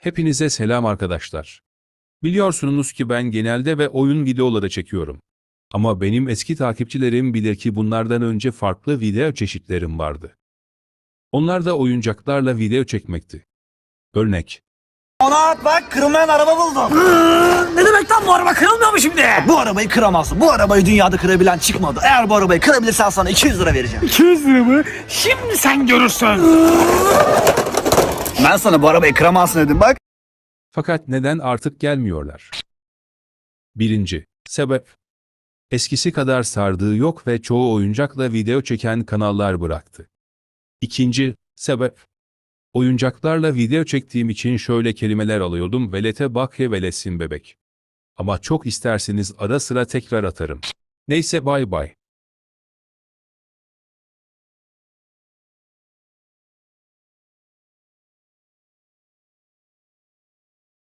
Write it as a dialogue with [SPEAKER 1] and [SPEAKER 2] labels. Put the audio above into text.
[SPEAKER 1] Hepinize selam arkadaşlar. Biliyorsunuz ki ben genelde ve oyun videoları çekiyorum. Ama benim eski takipçilerim bilir ki bunlardan önce farklı video çeşitlerim vardı. Onlar da oyuncaklarla video çekmekti. Örnek.
[SPEAKER 2] Ona bak, kırılmayan araba buldum.
[SPEAKER 3] Ne demek lan, bu araba kırılmıyor mu şimdi?
[SPEAKER 2] Bu arabayı kıramazsın. Bu arabayı dünyada kırabilen çıkmadı. Eğer bu arabayı kırabilirsen sana 200 lira vereceğim.
[SPEAKER 3] 200 lira mı? Şimdi sen görürsün.
[SPEAKER 2] Ben sana bu arabayı kıramazsın dedim bak.
[SPEAKER 1] Fakat neden artık gelmiyorlar? Birinci sebep. Eskisi kadar sardığı yok ve çoğu oyuncakla video çeken kanallar bıraktı. İkinci sebep. Oyuncaklarla video çektiğim için şöyle kelimeler alıyordum: velete bak ya velesin bebek. Ama çok isterseniz ara sıra tekrar atarım. Neyse, bay bay.